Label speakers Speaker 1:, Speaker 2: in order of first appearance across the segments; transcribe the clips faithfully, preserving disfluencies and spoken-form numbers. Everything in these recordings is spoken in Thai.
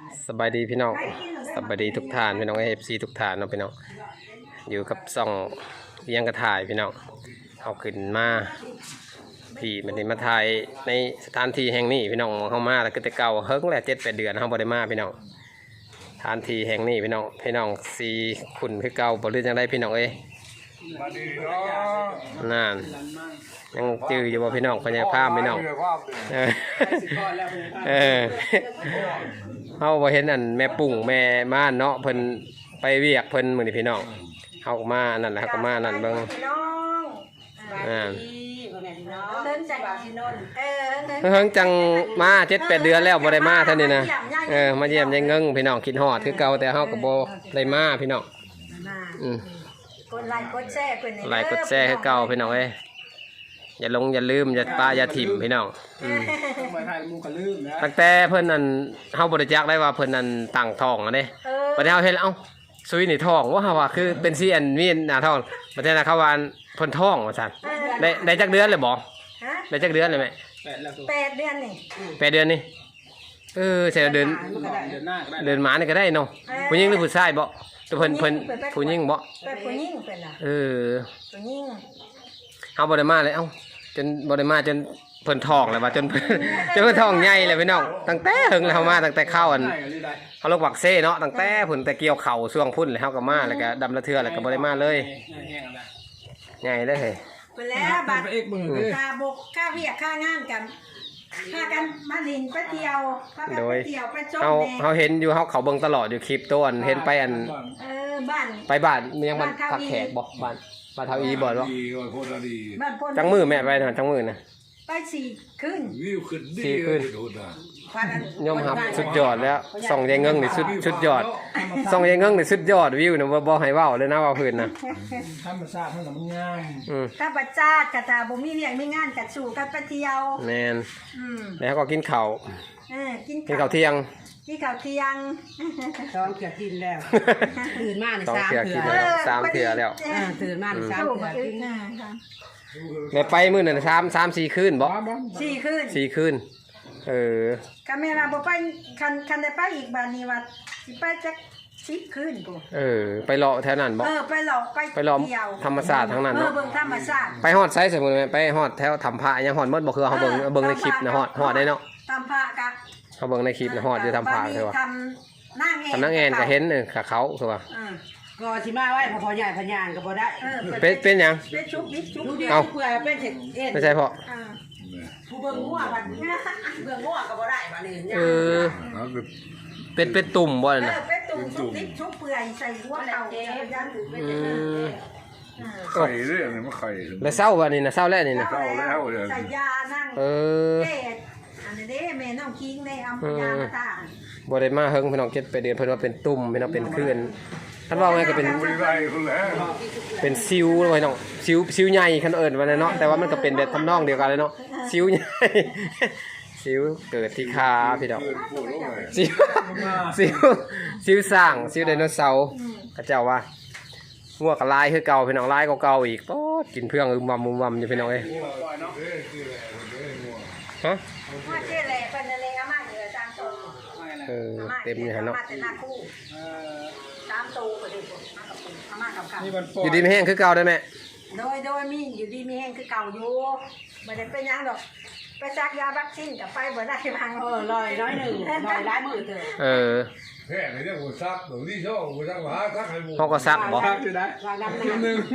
Speaker 1: สบายดีพี่น้องสบายดีทุกท่านพี่น้องเอฟซีทุกท่านเนาะพี่น้องอยู่กับซ่องเลี้ยงกระถ่ายพี่น้องเอาขึ้นมาพี่มันได้มาถ่ายในสถานที่แห่งนี้พี่น้องเข้ามาแล้วก็แต่เก่าเฮิร์กแหละเจ็ดแปดเดือนเขาบ่ได้มาพี่น้องสถานที่แห่งนี้พี่น้องพี่น้องสีขุนคือเก่าบ่รู้จังได้พี่น้องเอ้ยนั่นยังจื้ออยู่บ่พี่น้องพญาภาพพี่น้องเออเออเฮาบ่เห็นอันแม่ปุ่งแม่ม่านเนาะเพิ่นไปเวียกเพิ่นมื้อนี้พี่น้องเฮาก็มานั่นแหละเฮาก็มานั่นเบิ่งอ่าเฮิงจังมาเจ็ดแปดเดือนแล้วบ่ได้มาเท่านี้นะเออมาเยี่ยมยายเงิงพี่น้องคิดฮอดคือเก่าแต่เฮาก็บ่ได้มาพี่น้องอืม
Speaker 2: กดไลค์กดแชร์เพิ่นนี่
Speaker 1: ไลค์กดแชร์คือเก่าพี่น้องเอ้ยอย่าลงอย่าลืมอย่าปาอย่าถิ่มพี่น้องอืมตั้งแต่เพิ่นนั่นเฮาบ่ได้จักได้ว่าเพิ่นนั่นตั้งท้องอันนี้บัดนี้เฮาเห็นแล้วเอ้าซุยนี่ท้องว่าเฮาว่าคือเป็นซีอันมีหน้าท้องบัดนี้นะเขาว่าเพิ่นท้องว่าซั่นได้ได้จักเดือนเลยบ่
Speaker 2: ฮะ
Speaker 1: ได้จักเดือนเลยแม่
Speaker 2: แปดเดือนนี่
Speaker 1: แปดเดือนนี่เออใช่เดือนเดือนหมานี่ก็ได้เนาะผู้หญิงหรือผู้ชายบ่แต่เพิ่นเพิ่นผู้หญิงบ่
Speaker 2: เป็นผู้หญิงเพิ่นน่ะ
Speaker 1: เออ
Speaker 2: ผู้หญิง
Speaker 1: เฮาบ่ได้มาเลยเอ้าจนบ่ได้มาจนเพิ่นท้องแล้วว่าจนจนเพิ่นท้องใหญ่เลยพี่น้องตั้งแต่เฮิงแล้วเฮามาตั้งแต่เข้าอันเฮาลกวักเซ่เนาะตั้งแต่เพิ่นแต่เกี่ยวเข่าช่วงพุ่นแล้วเฮาก็มาแล้วก็ดำละเทื่อแล้วก็บ่ได้มาเลยใหญ่เลยเฮ้ย
Speaker 2: เพิ่นแล้วบัดค่าบกค่าเวียกค่างานกันพากันมาลินไปเที่ยวพากันไปเที่ยวไปชมแน่เฮา
Speaker 1: เฮาเห็นอยู่เฮาเขาเบิ่งตลอดอยู่คลิปต้นเห็นไปอัน
Speaker 2: เออบ้าน
Speaker 1: ไปบ้านยังบ้านพักแขกบ่บ้านบ้านเฒ่าอีบ่เนาะ
Speaker 2: บ้านพ่น
Speaker 1: จังมือแม่ไปนะจังมือนะ
Speaker 2: ไปสี่คืน
Speaker 3: วิวขึ้นดี
Speaker 1: สี่คืนยอมรับสุดยอดแล้วส่องยายเงิงนี่สุดสุดยอดส่องยายเงิงนี่สุดยอดวิวน่ะบ่บ่ให้เว้าเลยนะว่าเพิ่นน่ะ
Speaker 4: ธรรมชาติมันมันงาม
Speaker 1: อืม
Speaker 2: ถ้าประจาดกะถ้าบ่มีเวียกมีงานกะสู่กันไปเที่ยว
Speaker 1: แม่น
Speaker 2: อืม
Speaker 1: แล้วก็กินข้าว
Speaker 2: เออกิน
Speaker 1: กินข้าวเที่ยง
Speaker 2: กินข้าวเที่ยง
Speaker 5: สองเถื่อกินแล้วตื่นมาในสามเถื่อ
Speaker 1: สามเถื่อแล้ว
Speaker 5: ตื่นมาในสามเถื่อกิน
Speaker 1: แม่ไปมื้อนั้นสาม สาม สี่คืนบ่
Speaker 2: สี่คืน
Speaker 1: สี่คืนเออ
Speaker 2: คันแม่ว่าบ่ไปคันคันได้ไปอีกบัดนี้ว่าสิไปจักสิบคืนกู
Speaker 1: เออไปเลาะแถวนั้นบ่
Speaker 2: เออไปเลาะไป
Speaker 1: ไปเลาะธรรมชาติทั้งนั้นเนาะ
Speaker 2: เออเบิ่งธรรมชาติ
Speaker 1: ไปฮอดไสสมมุติไปฮอดแถวถ้ำพระยังฮอดหมดบ่คือเฮาเบิ่งเบิ่งในคลิปนะฮอดฮอดได้เนาะ
Speaker 2: ธรรมพระกะ
Speaker 1: เฮาเบิ่งในคลิปนะฮอดอยู่ถ้ำพระคือว่า
Speaker 2: ทำนางแอน
Speaker 1: ทำนางแอนก็เห็นเออขาเขาคือว่า
Speaker 5: ก็สิมาไว้พอใหญ่พญานก็บ่ได้
Speaker 1: เป็นเป็นหยัง
Speaker 2: เป็นชุบนิดชุบ
Speaker 5: เอ้าเพื่อเป็นเฮ็ด
Speaker 1: ไม่ใช่พ่อ
Speaker 5: ผู้เบิ่งงัวบัดนี้เบิ่งงัวก็บ่ได้บัดนี้
Speaker 1: เออเป็นเป็นตุ่มบ่น่ะ
Speaker 2: เออเป็นตุ่มชุบนิดชุบเปื่อยใส่หัวเต่ายัน
Speaker 1: อืม
Speaker 3: ไข่เรื่องนี้มันไข่
Speaker 1: แล้วเศร้าวันนี้นะเศร้าแล้วนี่นะ
Speaker 3: เศร้าแล้วเลย
Speaker 2: ใส่ยานั่ง
Speaker 1: เออ
Speaker 2: อันนี้เด้แม่น้องคิงได้เอายามาทา
Speaker 1: บ่ได้มาเฮิงพี่น้องเก็บไปเดือนเพิ่นว่าเป็นตุ่มพี่น้องเป็นคลื่นท่านว่าไงก็เป็นเป็นซิวเลยน้องซิวซิวใหญ่คันเอิ้นว่าเนาะแต่ว่ามันก็เป็นแบบทำนองเดียวกันเลยเนาะซิวใหญ่ซิวเกิดที่ขาพี่น้องซิวซิวซิวสร้างซิวไดโนเสาร์เขาเจ้าว่างัวกับลายคือเก่าพี่น้องลายเก่าๆอีกป๊อดกินเพื่องอึมวำอึมวำอยู่พี่น้องเอ้ยฮะ
Speaker 2: ว่าเจ๊แหล่เป็นอะไรอาม่าเหลือสามตัว
Speaker 1: เออเต็มเลยฮะเนาะ
Speaker 2: สามตัวก็ได้อาม่ากับกับ
Speaker 1: อยู่ดีไม่แห้งคือเก่าได้ไหม
Speaker 2: โดยโดยมีอยู่ดีมีแห้งคือเก่าอยู่ไม่ได้เป็นยังดอกไปซักยาวัคซีนกับไปบ่ได้บาง
Speaker 5: เออลอยน้อยหนึ่งลอยร้ายมือเถอะ
Speaker 1: เออ
Speaker 3: แค่ไหนเนี่ยหัวซักหนูที่ชอบหัวซักหาซักให้หมด
Speaker 1: เขาก็ซักบ่
Speaker 4: ซักอยู่ได้
Speaker 5: วางน้ำห
Speaker 4: นึ่ง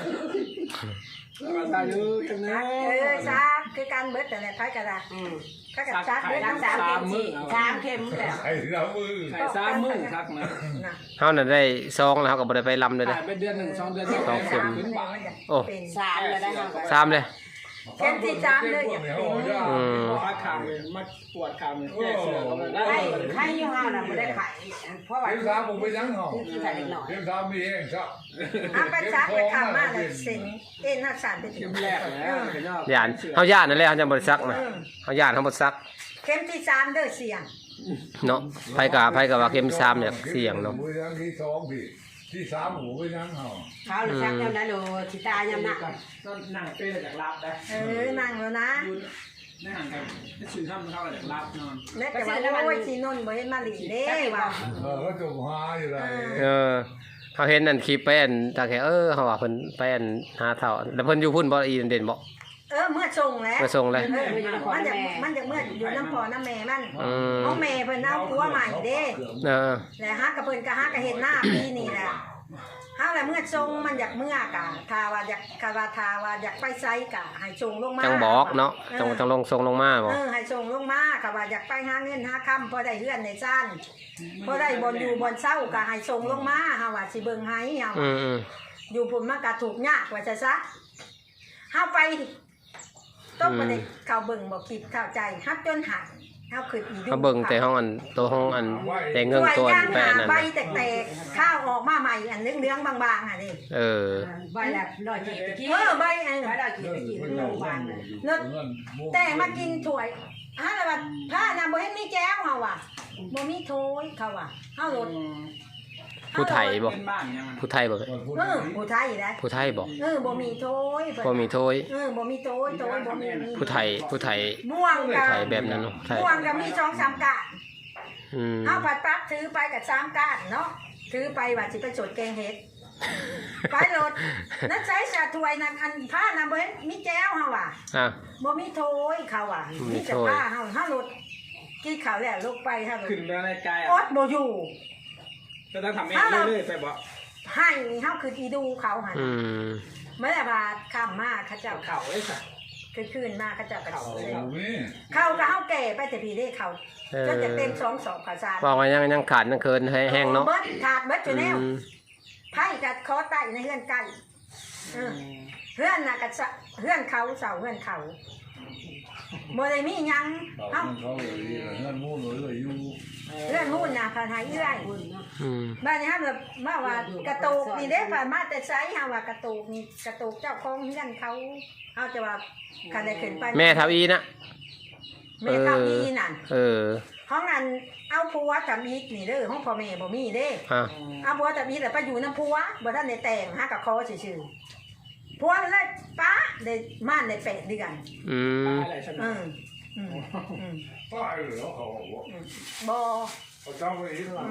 Speaker 4: ซักอยู่เข็มนึง
Speaker 2: เออซักคือการเบิดแต่ละไผกระดาษก็กับซักเบิดสามเข็มสี่สามเข็มแล้ว
Speaker 3: ไอ้สามมือ
Speaker 4: ไข่สามมือซักนะ
Speaker 1: เฮาน่ะได้ซองแล้วเฮาก็บ่ได้ไปลำเลยเด้อ
Speaker 4: เป็นเดือนหนึ่งสองเดือน
Speaker 1: สองเข็มโอ้
Speaker 5: สามเลยได้
Speaker 1: สามเลย
Speaker 2: เข็มที่สามเลยอย่าเป็น
Speaker 1: อืม
Speaker 4: พักขามเลยมัดปวดขามเลยแก้เสือก็ได้
Speaker 5: ไข่ไข่ยี่ห้อน่ะบ่ได้ไข่เพราะว่า
Speaker 3: เข็มสามผมไปยังหรอเข็มสามมีเองครับ
Speaker 2: อ่ะไปซักไปทำมาเลยเซ็งเอ็นหักสันไปถึง
Speaker 4: แรกแล้ว
Speaker 1: ย่านเฮาย่านนั่นแหละเฮาจะบ่ได้ซักนะเฮาย่านเฮาบ่ซัก
Speaker 2: เข็มที่สามเด้อเสี่ยง
Speaker 1: เนาะไผก็ไผก็ว่าเข็มสามเนี่ยเสี่ยงเนาะ
Speaker 3: มือยังที่สองพี่ที่สามหูไปยังเหรอ
Speaker 5: เขาซักยามได้โลสิตายามนัก
Speaker 4: ต้นนั่งเป็นจากลาบได้
Speaker 2: เออนั่งแล้วนะ
Speaker 4: ในห่างกันจะซื้อทำเข้าอะไรรับนอน
Speaker 2: แม่แต่ว่าโอ้ยสีนนท์บ่เห็นมาหลีเด้ว่ะ
Speaker 3: เออก็จบหาอยู่ไร
Speaker 1: เออเขาเห็นนั่นคลิปไปอันตาแค่เออเขาว่าเพิ่นไปอันหาเฒ่าแล้วเพิ่นอยู่พุ่นบ่อีเด่นบ่
Speaker 2: เออเมื่อส่งแล้ว
Speaker 1: มาส่งเลย
Speaker 2: เออมันจะมันจะเมื่ออยู่น้ำพอน้ำแม่มัน
Speaker 1: อืม
Speaker 2: น้องแม่เพิ่นเอาผัวใหม่เด้
Speaker 1: เออ
Speaker 2: แล้วฮักกับเพิ่นก็ฮักก็เห็นหน้าปีนี่แหละเฮาแหละเมื่อทรงมันอยากเมื่อกะทาว่าอยากคาว่าทาว่าอยากไปไสกะให้ส่งลงมา
Speaker 1: จังบอกเนาะจังจังลงส่งลงมาบ่
Speaker 2: เออให้ส่งลงมาก็ว่าอยากไปหาเงินหาค่ำพอได้เฮือนในซ่านพอได้บ่อยู่บ่เช้าก็ให้ส่งลงมาเฮาว่าสิเบิ่งให้เฮา
Speaker 1: อืมอืม
Speaker 2: อยู่พุ่นมันก็ถูกยากว่าจะซะเฮาไปต้องบ่ได้เข้าเบิ่งบ่คิดเข้าใจฮักจนหักเฮาคืออีดู
Speaker 1: เขาเบิ่งแต่ห้องอันตัวห้องอันแต่เงินตัวอันแปะนั่น
Speaker 2: ใบ
Speaker 1: น่ะ
Speaker 2: แตกๆข้าวออกมาใหม่อันเหลืองๆบางๆอ่ะนี่
Speaker 1: เออ
Speaker 5: ใบละร้อยเจ็ดตะกี้
Speaker 2: เออใบอัน
Speaker 5: ใบละกี่ตะกี้โรงพยาบาลน่ะ
Speaker 2: รถแต่มากินถ้วยฮะแล้วว่าผ้าน่ะบ่เห็นมีแก้วเฮาว่ะบ่มีถ้วยเขาว่ะเฮารถ
Speaker 1: ผู้ไทยบ่
Speaker 4: เป็นบ้านยัง
Speaker 1: ผู้ไทยบ่
Speaker 2: เออผู้ไทยนะ
Speaker 1: ผู้ไทยบ่
Speaker 2: เออบ่มีถ้วยเพิ่น
Speaker 1: บ่มีโทย
Speaker 2: เออบ่มีถ้วยถ้วยบ่มี
Speaker 1: ผู้ไทยผู้ไทย
Speaker 2: ม่วง
Speaker 1: ผู้
Speaker 2: กับ
Speaker 1: ไทยแบบนั้นเนาะไทย
Speaker 2: ม่วงก็มีสองสามกะ
Speaker 1: อืม
Speaker 2: เฮาปัดปั๊บถือไปกับสามกะเนาะถือไปว่าสิไปสดแกงเห็ดไปรถนั่นใช้สาถ้วยนั่นอันผ้าน่ะบ่เห็นมีแก้วเฮาว่ะ
Speaker 1: อ่ะ
Speaker 2: บ่มีโถยเขาอ่ะ
Speaker 1: มี
Speaker 2: มีแต่
Speaker 1: โถย
Speaker 2: ผ้าเฮาเฮารถกี่เขาแล้วลงไปเฮารถ
Speaker 4: ขึ้นไปในกาย
Speaker 2: อดบ่อยู่
Speaker 4: ก็ต้องทำเองเรื่อยๆไปบ่
Speaker 2: ให้เฮาคืออีดูเขาหั่น
Speaker 1: อืม
Speaker 2: เมื่อว่าข้ามมาเขาเจ้า
Speaker 4: เข่าไอ้สัส
Speaker 2: คือคืนมาเขาเจ้าก็
Speaker 3: เขา
Speaker 2: เลย
Speaker 3: นี่
Speaker 2: เขาก็เฮาแก่ไปแต่พี่ได้เขา
Speaker 1: เออ
Speaker 2: จนจะเต็มสองสอบข้าวสาร
Speaker 1: บอกว่ายังยังขาดยังเคินให้แห้งเนาะ
Speaker 2: เบิดขาดเบิดอยู่แนว
Speaker 1: อืม
Speaker 2: ไผก็ขอใต้ในเฮือนไก่เออเฮือนน่ะก็สะเฮือนเขาเสาเฮือนเขาบ่ได้มีหยัง
Speaker 3: เขา
Speaker 2: เฮา
Speaker 3: เขาเลยเงินมูลเลยอยู่
Speaker 2: เฮือนนู่นน่ะพาหายเอื้อย
Speaker 5: คนเนาะ
Speaker 1: อืม
Speaker 2: บ้านนี้ฮะแบบว่าว่ากระตูกนี่เด้ผ่านมาแต่ไซส์ฮะว่ากระตูกนี่กระตูกเจ้าของเฮือนเขาเขาจะว่าคันได้ขึ้นไป
Speaker 1: แม่ทับอีนะ
Speaker 2: แม่ทับอีนั่น
Speaker 1: เออ
Speaker 2: ห้องนั้นเอาผัวกับอีกนี่เด้อห้องพ่อแม่บ่มีเด้
Speaker 1: อ่ะ
Speaker 2: เอาผัวกับอีกแล้วไปอยู่น้ำผัวบ่ทันได้แต่งหากับคอซื่อๆผัวเลยป้าได้ม่านได้แปดเดือน
Speaker 1: อืม
Speaker 4: อะไรฉัน
Speaker 2: อืมอืมอืม
Speaker 3: ป้าเหรอเขาบอกว่า
Speaker 2: บ่
Speaker 3: เขาจำไว้ที่หลัง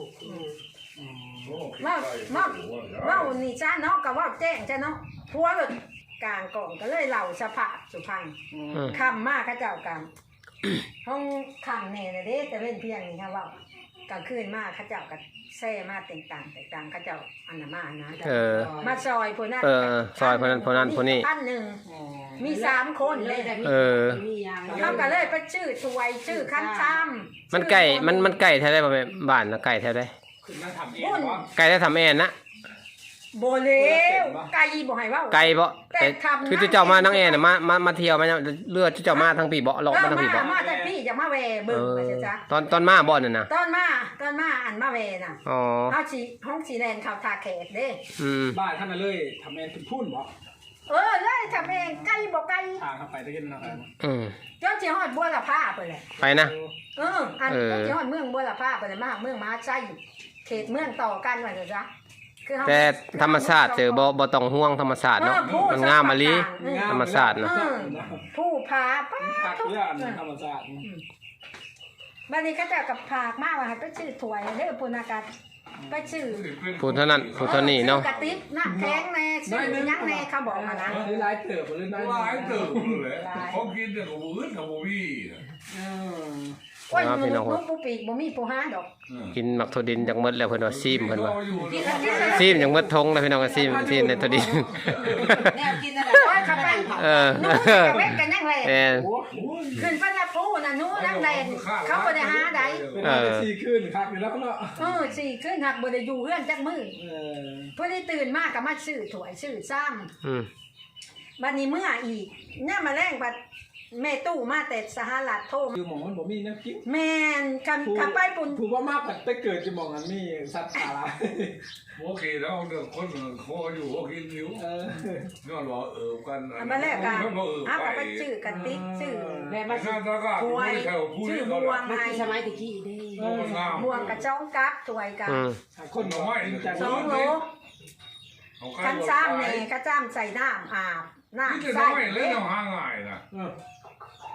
Speaker 2: ว่าว่าว่านี่จ้าเนาะก็ว่าแจ้งจ้าเนาะผัวเลยกลางกล่องก็เลยเล่าสภาพสุพรรณ
Speaker 1: อืม
Speaker 2: คำมากข้าเจ้ากรรม ห้องคำเนี่ยนะเด้แต่เว้นเพียงนี่ค่ะว่ากลางคืนมากข้าเจ้าก็แซ่มาแต่งต่างแต่งต่างข้าเจ้าอันนั้นมานะ
Speaker 1: เออ
Speaker 2: มาซอยพวกนั้น
Speaker 1: เออซอยพวกนั้นพวกนั้นพวกนี้
Speaker 2: ท่านหนึ่งมีสามคนเลย
Speaker 1: เออ
Speaker 5: มียาง
Speaker 2: เขาก็เลยไปชื่อถวยชื่อคันซ้ำ
Speaker 1: มันไก่มันมันไก่แท้ได้บ่แม่บ้านนะไก่แท้ได้
Speaker 4: ขึ้นมาทำเองบ่
Speaker 1: ไก่ได้ทำแอนนะ
Speaker 2: โบเลวไก่บ่ให้เว่า
Speaker 1: ไก่บ่
Speaker 2: แต่
Speaker 1: แต่
Speaker 2: ทำ
Speaker 1: คือเจ้ามาทั้งแอนน่ะมามามาเที่ยวมาเนี่ยเลือดเจ้ามาทั้งปีบ่หลอกมาทั้งปีบ่
Speaker 2: เออมาแต่พี่จะมาแว
Speaker 1: เอ
Speaker 2: เบิ่ง
Speaker 1: อ
Speaker 2: ไปจ้ะจ๊ะ
Speaker 1: ตอนตอนมาบ่นั่นน่ะ
Speaker 2: ตอนมาตอนมาอันมาแวน่ะ
Speaker 1: อ๋อ
Speaker 2: เฮาสิห้องสีแดงเขาทาแขกเด้
Speaker 1: อืม
Speaker 4: บ้านท่านน่ะเลยทำเองเป็นพุ่นบ่
Speaker 2: เออเลยทำเองไก่บ่ไก่
Speaker 4: ทางเข้าไปตะกี้เนาะ
Speaker 1: อืม
Speaker 2: จนสิฮอดบัวละผ้าไปเลย
Speaker 1: ไปนะ
Speaker 2: เอออัน
Speaker 1: เออ
Speaker 2: จนสิฮอดเมืองบัวละผ้าไปเลยมาเมืองมาใช้เขตเมืองต่อกันว่าจ้ะคือเฮา
Speaker 1: แต่ธรรมชาติเจอบ่บ่ต้องห่วงธรรมชาติเนาะมันงามมะลิธรรมชาติเนาะ
Speaker 2: เออผู้พาป้า
Speaker 4: พัก
Speaker 2: ทุก
Speaker 4: เรื่องธรรมชาติ
Speaker 2: บัดนี้เขาเจะกับผากมาว่าให้ไปชื่อถวยเด้อปุณากาศไปชื่อ
Speaker 1: ผู้เท่านั้นผู้เท่านี้เนาะ
Speaker 2: กระติบน้ำแข็งแน่ชื่อหยังแน่เขาบอกมานะ
Speaker 4: หรือหลายเติบหรือน้อย
Speaker 3: หลายเติมเลยเขากินแต่กับมือกับมือพี่
Speaker 4: เออ
Speaker 2: โอ้ยมันลูกปูปีกบ่มีปูหาดอก
Speaker 1: กินหมักถั่วดินจักหมดแล้วเพิ่นว่าซีมเพิ่นว่า
Speaker 2: กินแล้วกินแล้ว
Speaker 1: ซีมจักหมดทงแล้วพี่น้องก็ซีมซีมในถั่วดิน
Speaker 5: แนวกินอะไร
Speaker 2: โอ้ยเขาไป
Speaker 1: เออ
Speaker 2: นู้นกับเว้นกันยังไง
Speaker 1: แม่น
Speaker 4: โอ้
Speaker 2: ขึ้นไปนะปูน่ะนู้นนั่งแลนเขาบ่ได้หาใด
Speaker 4: เป็นอะไรสี่ขึ้นครับอยู่แล้วเนาะ
Speaker 2: เออสี่ขึ้นหักบ่ได้อยู่เฮือนจักมือ
Speaker 4: เออ
Speaker 2: เพิ่นได้ตื่นมาก็มาซื้อถวยซื้อซ้ำ
Speaker 1: อืม
Speaker 2: บัดนี้เมื่ออีกเนี่ยมาแรงบัดแม่ตู้มาแต่สหรัฐโทรมา
Speaker 4: คือหมองมันบ่มีนะกิ๊ก
Speaker 2: แม่นคำคำไปปุ่น
Speaker 4: ถูกว่ามากแต่ไปเกิดจะมองอันมีสัตว์สาระ
Speaker 3: โอเคแล้วเด็กคนเขาอยู่เขากินนิ้ว
Speaker 4: เออ
Speaker 3: ย้อนว่าเออกัน
Speaker 2: อันมาแรกกัน
Speaker 3: เขาเออ
Speaker 2: อ้าว
Speaker 3: ไป
Speaker 2: ก็ไปชื่อกันติ๊กชื่อ
Speaker 5: แม่
Speaker 3: มา
Speaker 5: มา
Speaker 3: ชาติก็
Speaker 2: ถวย
Speaker 3: แถวพูด
Speaker 2: ชื่อ
Speaker 3: เขา
Speaker 2: บวง
Speaker 5: มา
Speaker 2: ไง
Speaker 5: ที่สมัยตะกี้เด้
Speaker 2: บวงกับจ้องกับถวยกัน
Speaker 1: อืม
Speaker 4: คนบอกว่าจะ
Speaker 2: สองโลคันซ้ำเนี่ยก็จ้ำใส่น้ำอาบ
Speaker 3: นี่
Speaker 2: น้ำ
Speaker 3: จะ
Speaker 2: ใส่
Speaker 3: น้อยเลยน้องห่างง่ายนะ
Speaker 4: เออ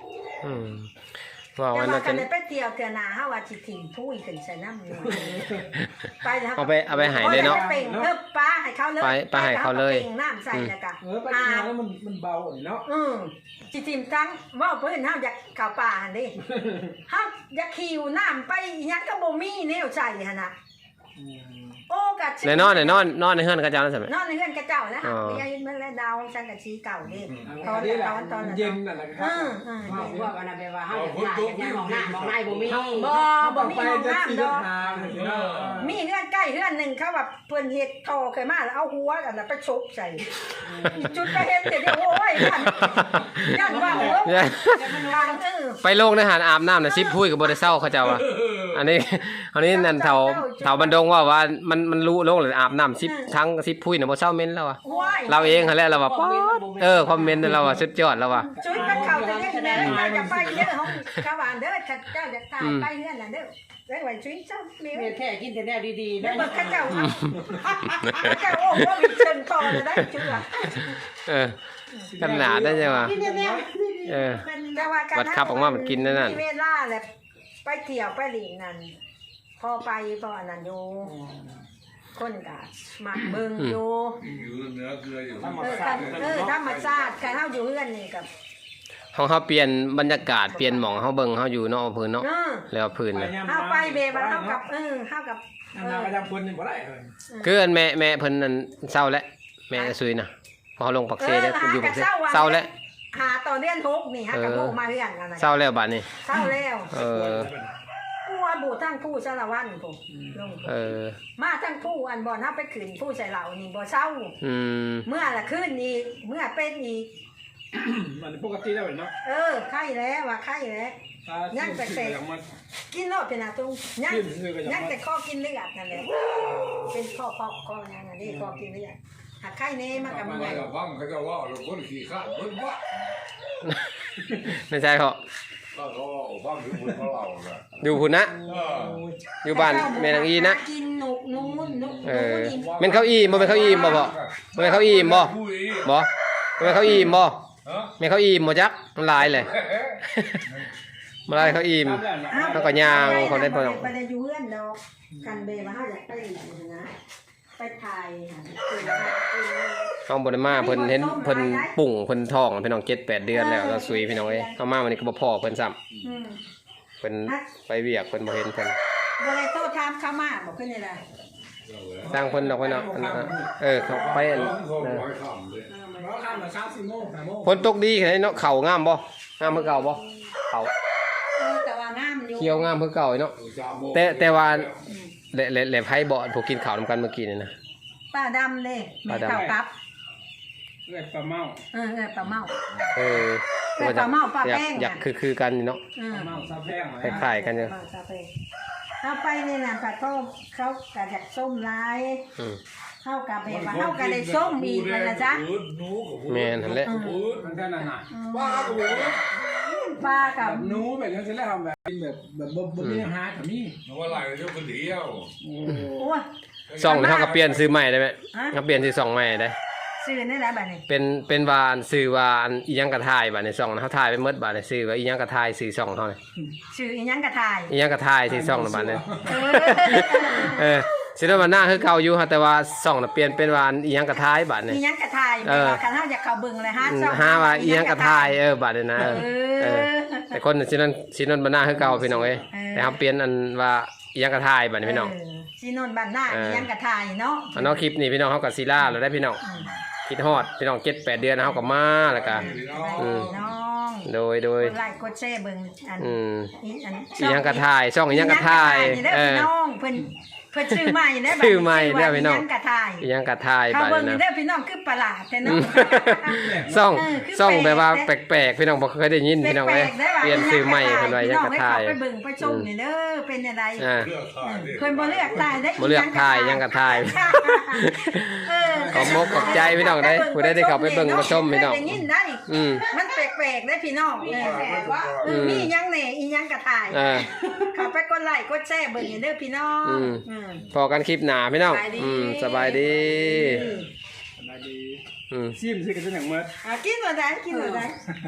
Speaker 1: อืมว่า
Speaker 2: แต่
Speaker 1: วัน
Speaker 2: ว่า
Speaker 1: นั้น
Speaker 2: กั
Speaker 1: จะ
Speaker 2: นได้ไปเที่ยวเทื่อหน้าเฮาว่าสิถิ่มผู้อีกขึ้นใส่น้ำอยู่ไปแล้ว
Speaker 1: เอาไปเอาไปหายเลยเนาะ
Speaker 2: โอ้เป่งเพิ่มปลาให้เขาเลย
Speaker 1: ไปไปให้เขาเลย
Speaker 2: ป่งน้ำใส่แล้วก็
Speaker 4: เออไปกินแล้วมันมันเบาเนาะ
Speaker 2: อืมสิถิ่มทั้งเว้าเพิ่นเฮาอยากเข้าป่าหั่นดิเฮาอยากขี่น้ำไปอิหยังก็บ่มีแนวใส่หั่นน่ะโอ้กะ
Speaker 1: ในนอนในนอนนอนในเฮือนกระเจ้านั่นใช่ไหม
Speaker 2: นอนในเฮือนกระเจ้าแล้ว
Speaker 1: อ๋อ
Speaker 2: ไปยืนมันแล้วดาวสังกะสีเก่านี่ตอน
Speaker 4: นี้แหละ
Speaker 2: ตอนตอนนั้น
Speaker 4: เย็นน่ะนะครั
Speaker 2: อืมอืม
Speaker 5: ว่าว่าอันนั้นแปลว่าเฮาอยากได้ยังมองหน้ามองในบ่มี
Speaker 2: บ่บ่มี
Speaker 4: ไป
Speaker 2: ห้อง
Speaker 4: จะ
Speaker 2: น้ำ
Speaker 4: สี่
Speaker 2: ดอก
Speaker 4: ทางเนาะ
Speaker 2: มีเฮือนใกล้เฮือนหนึงเขาแบบเพิ่นเฮ็ดทอเคยมาแล้วเอาหัวอันนั้นไปชกใส่จุดไปเห็นแต่เดียวโอ้ยยันยันว่าเออ
Speaker 1: เนี่ย
Speaker 2: ทางเออ
Speaker 1: ไปโลกในหารอาบน้ำนะซิปพุ้ยกับบริเศร้าเขาเจ้าว่ะอันนี้อันนี้นั่นแถวแถวบันดงว่าว่ามันมันรู้โลกเลยอาบน้ำซิปทั้งซิปพุ้ยน่ะบ่เศร้าเม้นแล้วว่ะ
Speaker 2: ว้าย
Speaker 1: เราเองเขาแหละเราว่าป๊อดเออคอมเมนต์เราว่าสุดยอดแล้วว่ะ
Speaker 2: จุดมันเข้าจะได้แน่เราจะไปเด้อห้องกะหวานเด้อข้าเจ้าจะตายไปเฮือนน่ะเด้อได้ไว้จุ้ยเจ้าแม่
Speaker 5: เมียแท้กินแต่แนวดีๆ
Speaker 2: แล้
Speaker 5: นะ
Speaker 2: วเบิกข้าเจ้าข้าเจ้าโอ้โหมีเชิงคอเลยได้จุดอ่ะ
Speaker 1: เออขนาดได้ใช่ป่ะ
Speaker 5: กินแต่แนว
Speaker 1: เออ
Speaker 2: แต่ว่าการ
Speaker 1: วัดขับออกมามันกินนั่นน่ะ
Speaker 2: มีเวลาแหละไปเที่ยวไปหลีกนั่นพอไปพออันนั้นอยู่คนกะหมักเบิ่งอยู่
Speaker 3: อยู่เหนือเกลืออยู่
Speaker 2: เออกันเออธรรมชาติการเฮาอยู่เฮือนนี่กับ
Speaker 1: เฮาเฮาเปลี่ยนบรรยากาศเปลี่ยนหม่องเฮาเบิ่งเฮาอยู่เนาะพื้นเนาะ
Speaker 2: เออ
Speaker 1: แล้วพื้นน่ะ
Speaker 2: เฮาไปเบว่าเฮากับเออเฮากับ
Speaker 4: น้ำนาประจำคนนี่บ่ได้เลย
Speaker 1: คืออันแม่แม่เพิ่นนั่นเศร้าแล้วแม่ซุยน่ะพอเฮาลงปักเซได้อยู่ปักเซเศร้าแล้ว
Speaker 2: หาต่อเดือนหกนี่ฮะกับโมมาเฮือนกันนะ
Speaker 1: เศร้าแล้วบัดนี้
Speaker 2: เศร้าแล้ว
Speaker 1: เออ
Speaker 2: ผู้ว่าบูทั้งผู้สารวัตรผมลง
Speaker 1: เออ
Speaker 2: มาทั้งผู้อันบ่นับไปขืนผู้ใส่เหล่านี่บ่เศร้า
Speaker 1: อืม
Speaker 2: เมื่อละขึ้นอีกเมื่อเป็นอีก
Speaker 4: มันปกติแล้วเนาะ
Speaker 2: เออไข้แล้วว่าไข้แล้ว
Speaker 4: ยังแต่แต่ยังมัน
Speaker 2: กินรอบเป็นอาตุงยัง
Speaker 4: ขึ้นซื้อก็ยัง
Speaker 2: ยังแต่ข้อกินเลือดนั่นแหละเป็นข้อข้อข้อยังอันนี้ข้อกินเลือดหากไข้เน่มากับ
Speaker 3: มา
Speaker 2: เมื่อย
Speaker 3: กับฟังเขาจะว่าเราคนขี่ข้าเพิ่นว่า
Speaker 1: ไม่ใช่เขา
Speaker 3: ก็เขาฟังถึงคนเขาเล่าน่ะ
Speaker 1: อยู่พุ่นนะ
Speaker 3: เออ
Speaker 1: อยู่บ้านแม่นางอีนะ
Speaker 2: กินหนุกนู้นนุก
Speaker 1: เออ
Speaker 2: นู้น
Speaker 1: แม่นเขาอีบ่แม่นเขาอีบ่บ่บ่แม่นเขาอีบ่
Speaker 3: ผู้อี
Speaker 1: บ่แม่นเขาอีบ่
Speaker 3: ฮะ
Speaker 1: แม่นเขาอีบ่จักมันหลายเลยมาลายเขาอีม แล้วก็ย่างเขาได้บ่
Speaker 2: ไปไปได้อยู่เฮือนดอกกันเบว่าเฮาอยากไปนะไปถ่ายค่ะ
Speaker 1: เฮาบ่ได้มาเพิ่นเห็นเพิ่นปุ่งเพิ่นท้องพี่น้องเจ็ดแปดเดือนแล้วแล้วสุยพี่น้องเอ้ยเฮามาวันนี้ก็บ่พอเพิ่นซ้ำ
Speaker 2: อืม
Speaker 1: เพิ่นไปเวียกเพิ่นบ่เห็นเพิ่น
Speaker 2: บ่ได้โทษถามเขามาบอกขึ้นนี่ล่ะ
Speaker 1: สร้างเพิ่นดอกไว้เนาะอันนั้นอะเออเขาไปอัน
Speaker 3: เขา
Speaker 1: เออ
Speaker 3: ร้อยคำเลย
Speaker 4: เราข้ามมาสามสี่โมงห้าโมง
Speaker 1: ฝนตกดีแค่ไหนเนาะเขางามบ่งามเพื่อเก่าบ่เขา
Speaker 2: เออแต่ว่างามอยู่
Speaker 1: เขียวงามเพื่อเก่าเนาะ
Speaker 3: สามโมง
Speaker 1: แต่แต่ว่าแหละแหละแหละไผบ่พวกกินข้าวนำกันเมื่อกี้นี่นะ
Speaker 2: ป้าดำเด้แม่ข้าวกับ
Speaker 4: เรียกปลาเมา
Speaker 2: เออเออปลาเมา
Speaker 1: เออ
Speaker 2: เออปลาเมาปลา
Speaker 1: อยาก
Speaker 2: แป้ง
Speaker 1: อยาก
Speaker 2: น่ะ
Speaker 1: คือคือกันนี่เนาะ
Speaker 2: เอ
Speaker 4: ป
Speaker 2: อ
Speaker 4: ลาเมาซาแพง
Speaker 1: คล้ายๆกันอยู่
Speaker 2: ปลาซาเปเอาไปนี่น่ะปลาก็เขาก็อยากส้มหลาย
Speaker 1: อืม
Speaker 2: เข้ากับแบบว่าเข้ากับได้ส้มอีกนั่นล่ะจ๊ะ
Speaker 1: แม่นหั่นแหละ
Speaker 4: มันก็นั่นน่ะ
Speaker 3: ป้าก็บอกว่า
Speaker 2: ปลากับ
Speaker 4: แบบนู้แบบนี้ฉันแล้วทำแบบแบบแบบบ่บ่มีหาแต่มี
Speaker 3: ว่าอะไรเจ้าคนเดียว
Speaker 4: โอ้
Speaker 2: โอ้ย
Speaker 1: ซ่องนี่เฮาก็เปลี่ยนซื้อใหม่ได้ไหม
Speaker 2: ฮะ
Speaker 1: ก็เปลี่ยนซื้อซ่องใหม่ได้
Speaker 2: ซื้อนี่แหละบัดนี้
Speaker 1: เป็นเป็นวานซื้อวานอีหยังกระทายบัดในซ่องนะเฮาถ่ายไปหมดบัดในซื้อว่าอีหยังกระทายซื้อซ่องเฮานี่
Speaker 2: ซื้ออีหยังกระทาย
Speaker 1: อีหยังกระทายซื้อซ่องน่ะบัดนี้
Speaker 2: เออ
Speaker 1: เออสิได้ว่าหน้าคือเก่าอยู่ฮะแต่ว่าซ่องน่ะเปลี่ยนเป็นวานอีหยังกระทายบัดนี่
Speaker 2: อีหยังกระทาย
Speaker 1: เออ
Speaker 2: คันเฮาอยากเข้าเบิ่งเลยฮะ
Speaker 1: อืม
Speaker 2: ช่อง
Speaker 1: หาว่าอีหยังกระทายเออบัดนี่นะเออ
Speaker 2: เอ
Speaker 1: เออ
Speaker 2: อ
Speaker 1: แต่คนสินั้นสินั้นบ่หน้าคือเก่าพี่น้องเอ้ย
Speaker 2: เออ
Speaker 1: แต่เฮาเปลี่ยนอันว่าอีหยังกระทายบัดนี้พี่น้อง
Speaker 2: เซีโนนบ้านหน้า
Speaker 1: เออ
Speaker 2: อีหยังกระทายเนาะ
Speaker 1: อันเนาะคลิปนี้พี่น้องเฮาก็สิลาแล้วได้พี่น้อง
Speaker 2: อืม
Speaker 1: คิดฮอดพี่น้องเจ็ดแปดเดือนแล้วเฮาก็มาแล้วก็ อืม
Speaker 2: น้อง
Speaker 1: โดยโดย
Speaker 2: กดไลค์กดแชร์เบิ่งอัน
Speaker 1: อืม
Speaker 2: อีอัน
Speaker 1: อีหยังกระทายซ่องอีหยังกระทาย
Speaker 2: อีหงกระทายนี่เด้อ
Speaker 1: เออ
Speaker 2: พี่น้องเพิ่นเพิ่นชื่อใหม่เด้อบัด
Speaker 1: ชื่อใหม่เด้อพี่น้อง
Speaker 2: อีหยังกระทาย
Speaker 1: อีหยังกระทาย
Speaker 2: เขา
Speaker 1: บัด
Speaker 2: เบิ่ง
Speaker 1: นี้
Speaker 2: นี่
Speaker 1: นะ
Speaker 2: เด้อพี่น้องคือประหลาดแต่เนาะ
Speaker 1: ซ่อง
Speaker 2: เออคือ
Speaker 1: ซ่องแบบว่า
Speaker 2: แป
Speaker 1: แป
Speaker 2: ลก
Speaker 1: ลกๆพี่น้องบ่เคยได้ยินพี่น้องเอ้ย
Speaker 2: แปลกๆได้ว่า
Speaker 1: เปลี่ยนชื่อใหม่เพิ่นว่าอีหยังกระทาย
Speaker 2: พี่น้องให้เขาไปเบิ่งไปชมนี่เด้อเป็นอะไร
Speaker 1: อ่า
Speaker 3: เลือกถ่ายดิ
Speaker 2: เพิ่นบ่เลือกตายได้
Speaker 1: บ่เลือกทายอีหยังกระทาย
Speaker 2: เออ
Speaker 1: ขอบมกขอบใจพี่น้องเด้อผู้ใดได้เข้าไปเบิ่งมาชมพี่น้อง
Speaker 2: ได้ยินได้
Speaker 1: อืม
Speaker 2: มันแปลกๆได้พี่น้องเออเออมีอีหยังแหน่อีหยังกระทาย
Speaker 1: อ่า
Speaker 2: เข้าไปกดไลค์กดแชร์เบิ่งนี่เด้อพี่น้อง
Speaker 1: อืม
Speaker 2: อืม
Speaker 1: พอกันคลิปหน้าพี่น้อง
Speaker 2: สบายดี
Speaker 1: อืมสบายดี
Speaker 4: สบายดี
Speaker 1: อืม
Speaker 4: ซิมซื้อกันจังอย่างเมื่อ
Speaker 2: อ่ะกินบ่ได้กินบ่ได้